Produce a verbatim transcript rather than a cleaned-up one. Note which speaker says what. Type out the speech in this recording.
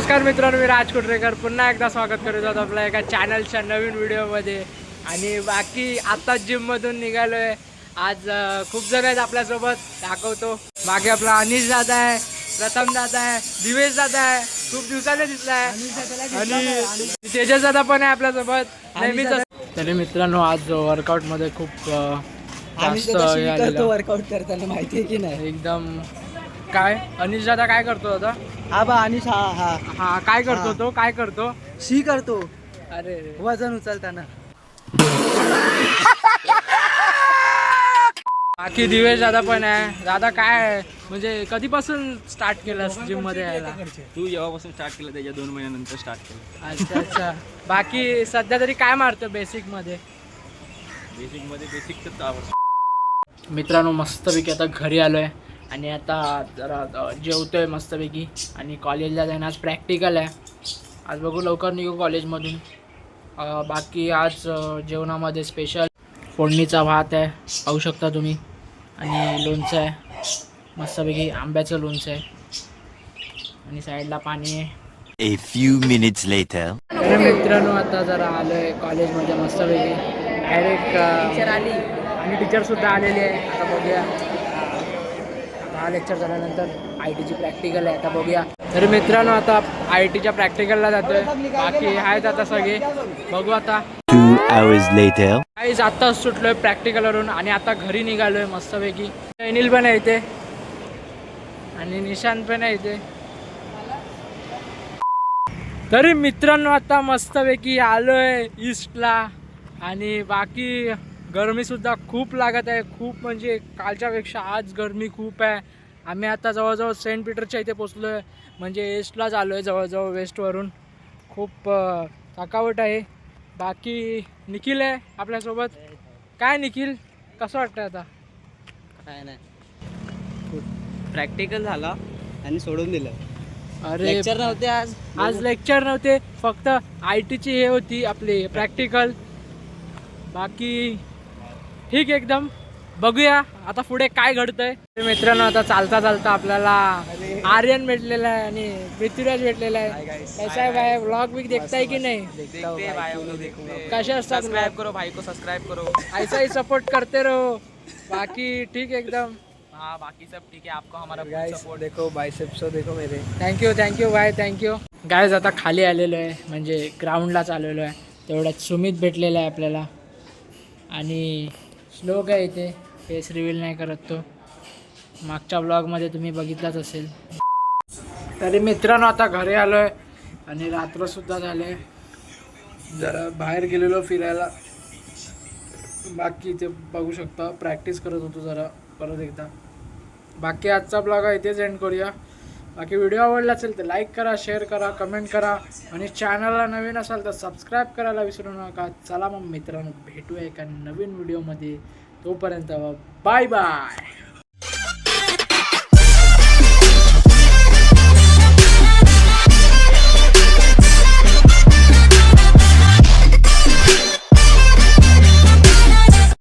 Speaker 1: नमस्कार मित्रांनो, मी राज कुटरेकर पुन्हा एकदा स्वागत करत आहोत आपल्या एका चॅनलच्या नवीन व्हिडिओमध्ये. आणि बाकी आता जिममधून निघालो आहे. आज खूप जण आहेत आपल्यासोबत, दाखवतो. मागे आपला अनिश दादा आहे, प्रथम दादा आहे, दिवेश दादा आहे, खूप दिवसाने दिसला आहे, आणि तेजस दादा पण आहे आपल्यासोबत नेहमीच. तरी मित्रांनो, आज वर्कआउटमध्ये खूप जास्त
Speaker 2: वर्कआउट करताना माहिती आहे की नाही
Speaker 1: एकदम. काय अनिश दादा काय करतो दादा?
Speaker 2: हा बा अनिश हा हा
Speaker 1: हा काय करतो तो? काय करतो?
Speaker 2: शी करतो.
Speaker 1: अरे
Speaker 2: वजन उचलताना.
Speaker 1: बाकी दिवेश दादा पण आहे. दादा काय म्हणजे कधीपासून स्टार्ट केलंस जिम मध्ये यायला?
Speaker 3: तू जेव्हापासून स्टार्ट केलं त्याच्या दोन महिन्यानंतर स्टार्ट केलं.
Speaker 1: अच्छा अच्छा. बाकी सध्या तरी काय मारतो बेसिक मध्ये?
Speaker 3: बेसिक मध्ये बेसिकच आवडतं.
Speaker 1: मित्रांनो, मस्तपैकी आता घरी आलोय आणि आता जरा जेवतोय मस्तपैकी. आणि कॉलेजला जाणं, आज प्रॅक्टिकल आहे. आज बघू लवकर निघू कॉलेजमधून. बाकी आज जेवणामध्ये स्पेशल फोडणीचा भात आहे, पाहू शकता तुम्ही, आणि लोणचं आहे मस्तपैकी, आंब्याचं लोणचं आहे, आणि साईडला पाणी आहे.
Speaker 4: A few minutes later.
Speaker 1: तर मित्रांनो, आता जरा आलोय कॉलेजमध्ये मस्तपैकी. डायरेक्ट टीचर आली आणि टीचरसुद्धा आलेली आहे. आता बघूया, हा लेक्चर झाल्यानंतर आय टीची प्रॅक्टिकल आहे, आता बघूया. तर मित्रांनो, आता आय टीच्या प्रॅक्टिकलला जातोय. बाकी आहेत आता सगळे, बघू आता.
Speaker 4: Two hours later.
Speaker 1: काहीच आत्ताच सुटलोय प्रॅक्टिकलवरून आणि आता घरी निघालोय मस्तपैकी. अनिल पण आहे इथे आणि निशांत पण आहे इथे. तरी मित्रांनो, आता मस्तपैकी आलोय ईस्टला. आणि बाकी गरमीसुद्धा खूप लागत आहे, खूप म्हणजे कालच्यापेक्षा आज गरमी खूप आहे. आम्ही आता जवळजवळ सेंट पीटरच्या इथे पोचलो आहे, म्हणजे ईस्टलाच आलो आहे जवळजवळ वेस्टवरून. खूप थकावट आहे. बाकी निखिल आहे आपल्यासोबत. काय निखिल, कसं वाटतं आता?
Speaker 2: काय नाही, प्रॅक्टिकल झाला आणि सोडून दिलं.
Speaker 1: अरे
Speaker 2: लेक्चर नव्हते आज.
Speaker 1: आज लेक्चर नव्हते, फक्त आय टीची हे होती आपली प्रॅक्टिकल. बाकी ठीक एकदम. बघूया आता पुढे काय घडतंय. मित्रांनो, आता चालता चालता आपल्याला आर्यन भेटलेला आहे आणि पृथ्वीराज भेटलेला आहे. कैसा आहे भाई, व्लॉग बिग देखताय की नाही? कसे असतात?
Speaker 3: सब्सक्राइब करो भाई को, सब्सक्राइब करो.
Speaker 1: ऐसा ही सपोर्ट करते रहो. बाकी ठीक एकदम.
Speaker 3: हाँ बाकी सब ठीक है. आपको हमारा
Speaker 2: सपोर्ट देखो, बायसेप्स देखो मेरे.
Speaker 1: Thank you thank you bye thank you. Guys आता खाली आलेलो आहे, म्हणजे ग्राउंडलाच आलेलो आहे. तेवढ्यात सुमित भेटलेला आहे आपल्याला. आणि श्लोक आहे इथे, फेस रिव्हील नाही करत तो, मागच्या ब्लॉगमध्ये तुम्ही बघितलाच असेल. तरी मित्रांनो, आता घरी आलो आहे आणि रात्रसुद्धा झाले. जरा बाहेर गेलेलो फिरायला. बाकी इथे बघू शकता प्रॅक्टिस करत होतो जरा परत एकदा. बाकी आजचा ब्लॉग आहे इथेच एंड करूया. बाकी व्हिडिओ आवडला असेल तर लाईक करा, शेअर करा, कमेंट करा, आणि चॅनलला नवीन असाल तर सबस्क्राईब करायला विसरू नका. चला मग मित्रांनो, भेटूया एका नवीन व्हिडिओमध्ये. तोपर्यंत बाय बाय.